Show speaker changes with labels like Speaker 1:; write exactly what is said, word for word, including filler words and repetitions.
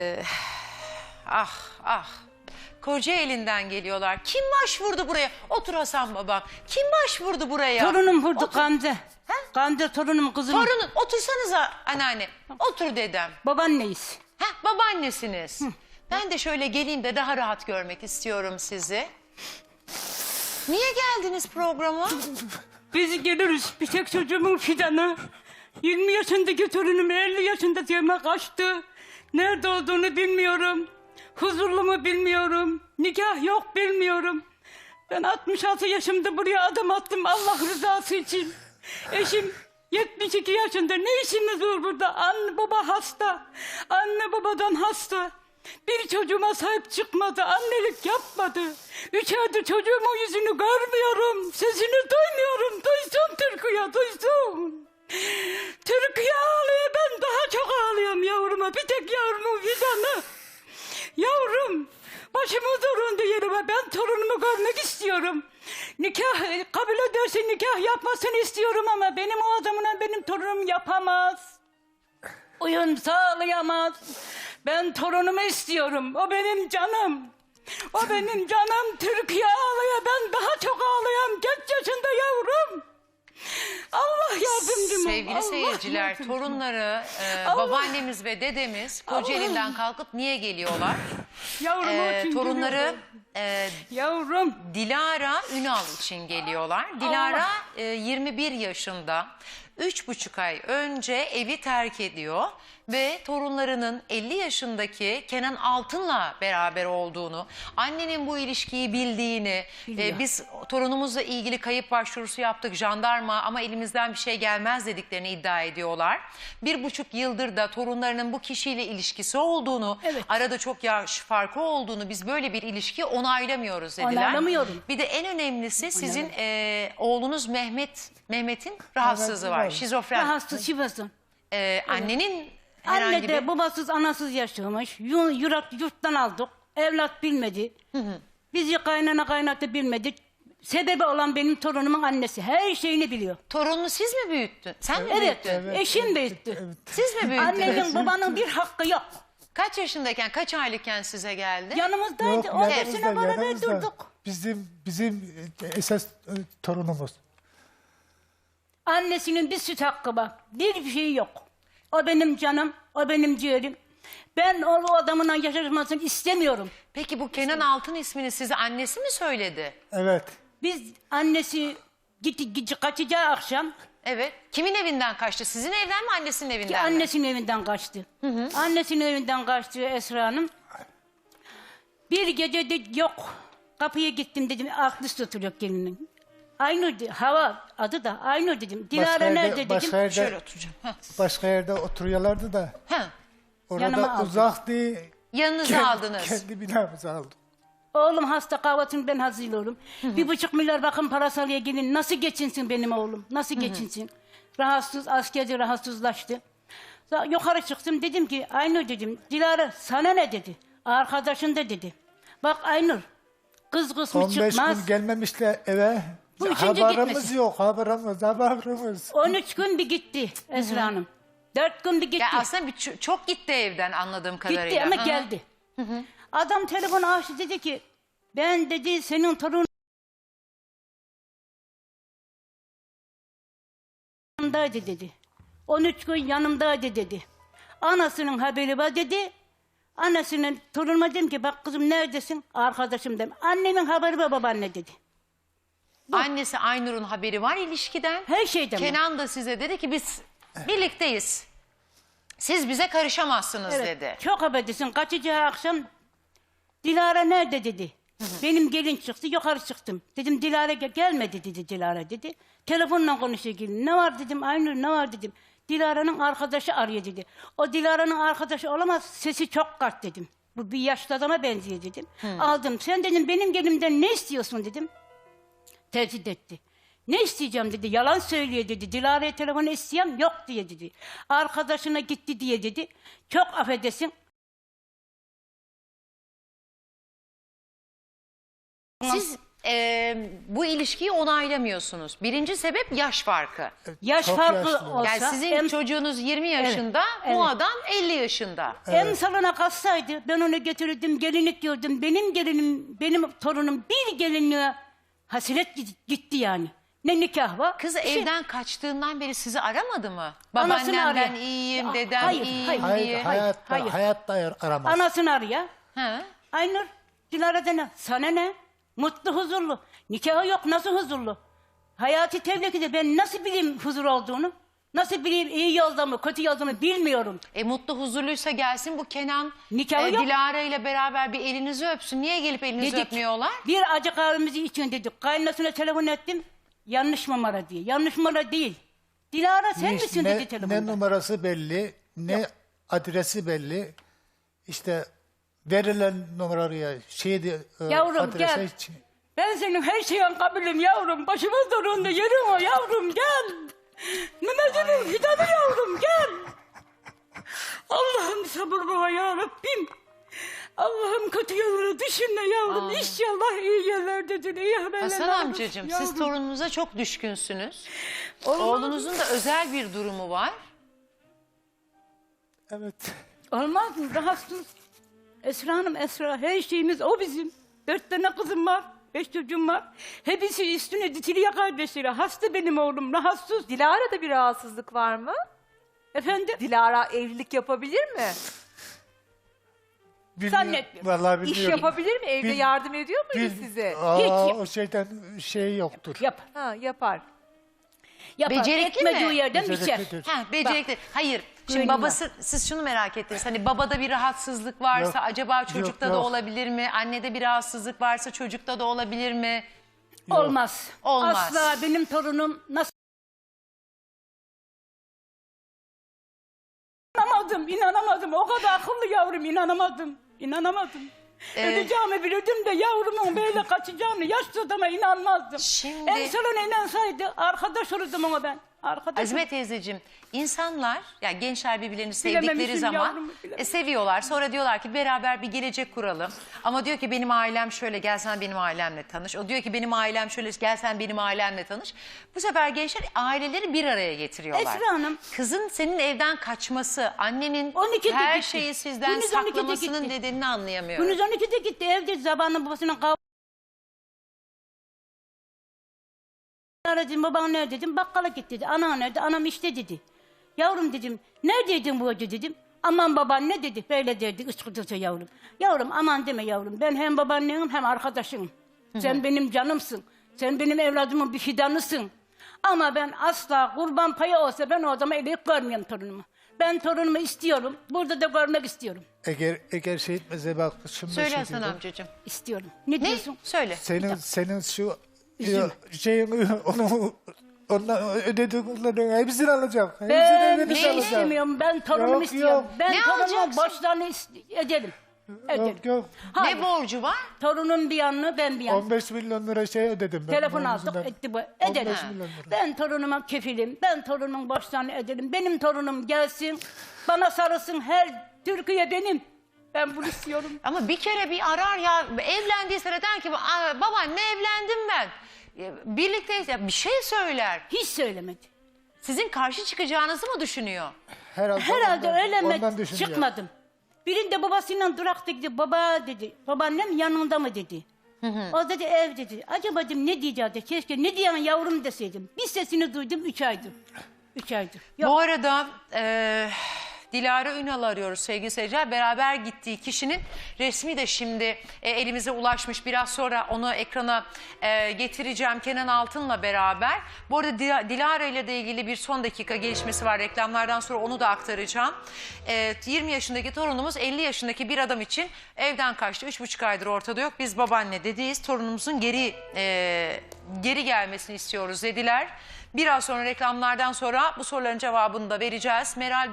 Speaker 1: Ee, ah ah. Kocaeli'nden geliyorlar. Kim başvurdu buraya? Otur Hasan babam. Kim başvurdu buraya?
Speaker 2: Torunum vurdu
Speaker 1: Otur.
Speaker 2: Gamze.
Speaker 1: He?
Speaker 2: Gamze torunum kızım.
Speaker 1: Torunun. Otursanıza anneanne. Otur dedem.
Speaker 2: Babaanneyiz.
Speaker 1: Heh, babaannesiniz. Hı. Ben de şöyle geleyim de daha rahat görmek istiyorum sizi. Niye geldiniz programa?
Speaker 2: Biz geliriz. Bir tek çocuğumun fidanı. yirmi yaşındaki torunum elli yaşında diyeme kaçtı. Nerede olduğunu bilmiyorum. Huzurlu mu bilmiyorum. Nikah yok bilmiyorum. Ben altmış altı yaşımda buraya adım attım Allah rızası için. Eşim yetmiş iki yaşında. Ne işimiz var burada? Anne baba hasta. Anne babadan hasta. Bir çocuğuma sahip çıkmadı. Annelik yapmadı. Üç aydır çocuğumun yüzünü görmüyorum. Sesini duymuyorum. Duysun Türkiye, duysun. Türkiye ağlıyor. Ben daha çok ağlıyorum yavruma. Bir tek yavrumun fidanı. Yavrum, başımı zorunda yerime. Ben torunumu görmek istiyorum. Nikah kabul ederse nikah yapmasını istiyorum ama benim o adamla benim torunum yapamaz. Uyum sağlayamaz. Ben torunumu istiyorum. O benim canım. O benim canım. Türkiye ağlıyor. Ben daha çok ağlıyorum. Geç yaşında yavrum. Allah yardımcım ol.
Speaker 1: Sevgili
Speaker 2: Allah
Speaker 1: seyirciler,
Speaker 2: yardımcım.
Speaker 1: torunları, e,
Speaker 2: Allah.
Speaker 1: babaannemiz ve dedemiz Kocaeli'nden kalkıp niye geliyorlar?
Speaker 2: Yavrum
Speaker 1: E,
Speaker 2: için
Speaker 1: torunları
Speaker 2: geliyorum.
Speaker 1: e,
Speaker 2: Yavrum.
Speaker 1: Dilara Ünal için geliyorlar. Dilara e, yirmi bir yaşında. Üç buçuk ay önce evi terk ediyor ve torunlarının elli yaşındaki Kenan Altın'la beraber olduğunu, annenin bu ilişkiyi bildiğini, e, biz torunumuzla ilgili kayıp başvurusu yaptık jandarma ama elimizden bir şey gelmez dediklerini iddia ediyorlar. Bir buçuk yıldır da torunlarının bu kişiyle ilişkisi olduğunu,
Speaker 2: Evet.
Speaker 1: arada çok yaş farkı olduğunu, biz böyle bir ilişki onaylamıyoruz dediler.
Speaker 2: Onaylamıyorum.
Speaker 1: Bir de en önemlisi sizin e, oğlunuz Mehmet, Mehmet'in rahatsızlığı
Speaker 3: Evet,
Speaker 1: var,
Speaker 3: var.
Speaker 1: şizofren.
Speaker 2: Rahatsız şifasın.
Speaker 1: E, annenin herhangi
Speaker 2: Anne de
Speaker 1: bir...
Speaker 2: babasız anasız yaşamış. Yu- Yurak yurttan aldık. Evlat bilmedi. Bizi kaynana kaynatı bilmedi. Sebebi olan benim torunumun annesi. Her şeyini biliyor.
Speaker 1: Torununu siz mi büyüttün? Sen mi
Speaker 2: Evet,
Speaker 1: büyüttün?
Speaker 2: eşim büyüttü.
Speaker 1: Siz mi büyüttünüz?
Speaker 2: Annenin babanın bir hakkı yok.
Speaker 1: Kaç yaşındayken, kaç aylıkken size geldi?
Speaker 2: Yanımızdaydı.
Speaker 3: Yok,
Speaker 2: on
Speaker 3: yanımızda,
Speaker 2: sene beraber
Speaker 3: yanımızda.
Speaker 2: durduk.
Speaker 3: Bizim bizim esas e, torunumuz.
Speaker 2: Annesinin bir süt hakkı var. Bir şey yok. O benim canım, o benim ciğerim. Ben o, o adamla yaşamasını istemiyorum.
Speaker 1: Peki bu Kenan Altın ismini size annesi mi söyledi?
Speaker 3: Evet.
Speaker 2: Biz annesi gitti, gitti kaçacağı akşam
Speaker 1: Evet. Kimin evinden kaçtı? Sizin evden mi, annesinin
Speaker 2: ki
Speaker 1: evinden mi?
Speaker 2: annesinin evinden kaçtı. Annesinin evinden kaçtı Esra Hanım. Bir gece de yok. Kapıya gittim dedim. Aklı oturuyor gelinin. Aynur de- hava adı da Aynur dedim. Dilara
Speaker 3: Başka yerde-
Speaker 2: nerede dedim.
Speaker 3: başka yerde,
Speaker 1: Şöyle oturacağım. Heh.
Speaker 3: başka yerde oturuyorlardı da
Speaker 1: Heh.
Speaker 2: Yanıma
Speaker 3: orada
Speaker 2: aldım.
Speaker 3: uzak değil.
Speaker 1: Yanınıza
Speaker 3: Kendi-
Speaker 1: aldınız.
Speaker 3: Kendi binamıza aldım.
Speaker 2: Oğlum hasta kahvaltını ben hazırlıyorum. Bir buçuk milyar bakın parası alıyor gelin. Nasıl geçinsin benim oğlum? Nasıl geçinsin? Rahatsız, askerde rahatsızlaştı. Sonra yukarı çıktım dedim ki Aynur dedim. Dilara sana ne dedi? Arkadaşın da dedi. Bak Aynur kız kısmı
Speaker 3: on beş
Speaker 2: çıkmaz.
Speaker 3: gün gelmemişler eve.
Speaker 2: Bu ikinci
Speaker 3: Haberimiz
Speaker 2: gitmesi.
Speaker 3: yok, haberimiz, haberimiz.
Speaker 2: on üç gün bir gitti Esra Hanım. dört gün bir gitti.
Speaker 1: Ya aslında bir, ç- çok gitti evden anladığım kadarıyla.
Speaker 2: Gitti ama
Speaker 1: Hı hı.
Speaker 2: geldi. Adam telefonu açtı dedi ki ben dedi senin torun yanımdaydı dedi. on üç gün yanımdaydı dedi. Anasının haberi var dedi. Anasının torunuma dedim ki bak kızım neredesin? Arkadaşım dedim. Annemin haberi var babaanne dedi.
Speaker 1: Annesi Aynur'un haberi var ilişkiden.
Speaker 2: Her şeyden var.
Speaker 1: Kenan da size dedi ki biz birlikteyiz. Siz bize karışamazsınız
Speaker 2: Evet,
Speaker 1: dedi.
Speaker 2: çok haberdesin. Kaçacağı akşam Dilara nerede dedi. Benim gelin çıktı yukarı çıktım. Dedim Dilara gel gelmedi dedi Dilara dedi. Telefonla konuşuyor gelin. Ne var dedim Aynur ne var dedim. Dilara'nın arkadaşı arıyor dedi. O Dilara'nın arkadaşı olamaz sesi çok kart dedim. Bu bir yaşlı adama benziyor dedim. Aldım sen dedim benim gelimden ne istiyorsun dedim. Tehdit etti. Ne isteyeceğim dedi. Yalan söylüyor dedi. Dilara'ya telefonu isteyem yok diye dedi. Arkadaşına gitti diye dedi. Çok affedesin.
Speaker 1: Siz e, bu ilişkiyi onaylamıyorsunuz. Birinci sebep yaş farkı.
Speaker 2: Yaş
Speaker 3: Çok
Speaker 2: farkı
Speaker 3: yaşlı.
Speaker 2: olsa...
Speaker 1: Yani sizin
Speaker 2: em-
Speaker 1: çocuğunuz yirmi yaşında,
Speaker 2: evet.
Speaker 1: bu adam elli yaşında.
Speaker 2: Emsalına kalsaydı ben onu getirirdim, gelinlik diyordum. Benim gelinim, benim torunum bir gelinliğe hasret gitti yani. Ne nikah var?
Speaker 1: Kız
Speaker 2: bir şey-
Speaker 1: evden kaçtığından beri sizi aramadı mı?
Speaker 2: Anasını
Speaker 1: Babaannemden
Speaker 2: arıyor.
Speaker 1: iyiyim,
Speaker 2: Aa,
Speaker 1: dedem
Speaker 2: hayır,
Speaker 1: iyiyim
Speaker 2: hayır.
Speaker 3: Hayır,
Speaker 1: diye.
Speaker 3: hayatta,
Speaker 2: hayır.
Speaker 3: hayatta aramaz.
Speaker 2: Anasını arıyor.
Speaker 1: Ha?
Speaker 2: Aynur, Dilara dene. Sana ne? Mutlu, huzurlu. Nikahı yok, nasıl huzurlu? Hayati tevlekide ben nasıl bileyim huzur olduğunu? Nasıl bileyim iyi yolda mı, kötü yolda mı bilmiyorum.
Speaker 1: E mutlu huzurluysa gelsin bu Kenan
Speaker 2: Nikahı
Speaker 1: e,
Speaker 2: yok.
Speaker 1: Dilara ile beraber bir elinizi öpsün. Niye gelip elinizi
Speaker 2: Dedik,
Speaker 1: öpmüyorlar?
Speaker 2: bir acı kahvemizi için dedik. Kaynasına telefon ettim. Yanlış numara diye. Yanlış numara değil. Dilara sen
Speaker 3: Hiç
Speaker 2: misin
Speaker 3: ne,
Speaker 2: dedi telefonda.
Speaker 3: ne numarası belli, ne adresi belli. İşte verilen numaraya şeydi, e,
Speaker 2: Yavrum,
Speaker 3: adrese
Speaker 2: gel.
Speaker 3: hiç-
Speaker 2: Ben senin her şeyin kabulüm yavrum. Başımız donunda yerin o yavrum gel. Mehmet'imin fidanı yavrum gel. Allah'ım sabır bana ya Rabbim. Allah'ım kötü yolları düşünme yavrum.
Speaker 1: Amin.
Speaker 2: İnşallah iyi yerlerdedir. İyi haberler
Speaker 1: Hasan
Speaker 2: alırız
Speaker 1: amcacığım siz
Speaker 2: yavrum.
Speaker 1: torununuza çok düşkünsünüz.
Speaker 2: Olmaz.
Speaker 1: Oğlunuzun da özel bir durumu var.
Speaker 3: Evet.
Speaker 2: Olmaz mı? Rahatsız. Esra Hanım Esra. Her şeyimiz o bizim. Dört tane kızım var. Beş çocuğum var. Hepsi üstüne dikiliyor kardeşleri. Hasta benim oğlum. Rahatsız.
Speaker 4: Dilara'da bir rahatsızlık var mı?
Speaker 2: Efendim?
Speaker 4: Dilara evlilik yapabilir mi?
Speaker 3: Bilmiyorum.
Speaker 2: Zannetmiyorum.
Speaker 3: Vallahi
Speaker 4: İş
Speaker 3: bilmiyorum.
Speaker 4: yapabilir mi? Evde
Speaker 3: Bil-
Speaker 4: yardım ediyor muydu
Speaker 3: Bil-
Speaker 4: size?
Speaker 3: Aa,
Speaker 2: Hiç.
Speaker 3: o şeyden şey yoktur.
Speaker 2: Yap.
Speaker 4: Ha, yapar.
Speaker 2: Yapar.
Speaker 1: Becerikli mi?
Speaker 2: Ekmediği yerden biçer.
Speaker 3: Beceriklidir.
Speaker 1: Ha, becerikli. Hayır. Şimdi
Speaker 2: güvenim
Speaker 1: babası, siz şunu merak ettiniz. Hani babada bir rahatsızlık varsa
Speaker 3: Yok,
Speaker 1: acaba çocukta
Speaker 3: yok,
Speaker 1: da
Speaker 3: yok.
Speaker 1: olabilir mi? Annede bir rahatsızlık varsa çocukta da olabilir mi?
Speaker 2: Olmaz.
Speaker 1: Olmaz.
Speaker 2: Asla benim torunum nasıl... İnanamadım, inanamadım. O kadar akıllı yavrum, inanamadım. İnanamadım.
Speaker 1: Ee,
Speaker 2: Öleceğimi bilirdim de yavrumun böyle kaçacağını yaşlı adama inanmazdım.
Speaker 1: Şimdi-
Speaker 2: En sonuna inansaydı arkadaş olurdum ona ben. Arkadaş
Speaker 1: Azime teyzeciğim, insanlar, ya gençler birbirlerini sevdikleri
Speaker 2: Bilememişim
Speaker 1: zaman
Speaker 2: yavrumu, bilememişim.
Speaker 1: e, seviyorlar. Sonra diyorlar ki beraber bir gelecek kuralım. Ama diyor ki benim ailem şöyle, gel sen benim ailemle tanış. O diyor ki benim ailem şöyle, gel sen benim ailemle tanış. Bu sefer gençler aileleri bir araya getiriyorlar.
Speaker 2: Esra Hanım.
Speaker 1: Kızın senin evden kaçması, annenin
Speaker 2: on ikide
Speaker 1: her
Speaker 2: gitti.
Speaker 1: şeyi sizden
Speaker 2: Gündüz on ikide
Speaker 1: saklamasının
Speaker 2: gitti.
Speaker 1: nedenini anlayamıyorum.
Speaker 2: Gündüz on ikide gitti evde zabanla babasının kavga. Aradım baban nerede dedim bakkala git dedi. Ana nerede anam işte dedi. Yavrum dedim neredeydin bu gece dedim. Aman baban ne dedi böyle derdi ıskıdısa yavrum. Yavrum aman deme yavrum ben hem babaannenim hem arkadaşınım. Sen benim canımsın. Sen benim evladımın bir fidanısın. Ama ben asla kurban payı olsa ben o adama eleyip görmüyorum torunumu. Ben torunumu istiyorum. Burada da görmek istiyorum.
Speaker 3: Eğer eğer şey etmese bak şimdi
Speaker 1: Söyle
Speaker 3: şey
Speaker 1: Hasan
Speaker 3: diyordum.
Speaker 1: amcacığım.
Speaker 2: İstiyorum. Ne,
Speaker 1: Ne?
Speaker 2: diyorsun?
Speaker 1: Söyle.
Speaker 3: Senin senin şu
Speaker 2: Üzülme.
Speaker 3: şeyin onu ondan ödediklerini hepsini alacak. Hepsini
Speaker 2: Ben
Speaker 3: verip
Speaker 2: bir şey
Speaker 3: alacak.
Speaker 2: istemiyorum. Ben torunumu
Speaker 3: Yok,
Speaker 2: istiyorum.
Speaker 3: yok.
Speaker 2: Ben
Speaker 1: Ne
Speaker 2: torunumun
Speaker 1: alacaksın?
Speaker 2: borçlarını is- ederim. Ederim.
Speaker 3: Yok yok.
Speaker 2: Hayır.
Speaker 1: Ne borcu var?
Speaker 2: Torunun bir yanını ben bir yanını.
Speaker 3: on beş milyon lira şey ödedim ben.
Speaker 2: Telefon
Speaker 3: bunun
Speaker 2: aldık
Speaker 3: yüzünden.
Speaker 2: etti bu.
Speaker 3: on
Speaker 2: Ederim.
Speaker 3: beş milyon lira.
Speaker 2: Ben torunuma kefilim. Ben torunumun borçlarını ederim. Benim torunum gelsin. Bana sarılsın. Her Türkiye benim. Ben bunu istiyorum.
Speaker 1: Ama bir kere bir arar ya, evlendiyse de der ki "Aa, babaanne evlendim ben. E, Birlikteyiz ya, bir şey söyler.
Speaker 2: Hiç söylemedi.
Speaker 1: Sizin karşı çıkacağınızı mı düşünüyor?
Speaker 3: Herhalde,
Speaker 2: Herhalde
Speaker 3: ondan-
Speaker 2: öyle mi?
Speaker 3: ondan düşünüyor.
Speaker 2: Çıkmadım. Birinde babasıyla durakta dedi. Baba dedi. Babaannem yanında mı dedi. O dedi ev dedi. Acaba dedim ne diyeceğim? Keşke ne diyen yavrum deseydim. Bir sesini duydum üç aydır. Üç aydır. Yok.
Speaker 1: Bu arada e, Dilara Ünal'ı arıyoruz sevgili seyirciler. Beraber gittiği kişinin resmi de şimdi e, elimize ulaşmış. Biraz sonra onu ekrana e, getireceğim Kenan Altın'la beraber. Bu arada Dila- Dilara ile de ilgili bir son dakika gelişmesi var. Reklamlardan sonra onu da aktaracağım. E, yirmi yaşındaki torunumuz elli yaşındaki bir adam için evden kaçtı. üç buçuk aydır ortada yok. Biz babaanne dediğiz. Torunumuzun geri e, geri gelmesini istiyoruz dediler. Biraz sonra reklamlardan sonra bu soruların cevabını da vereceğiz. Meral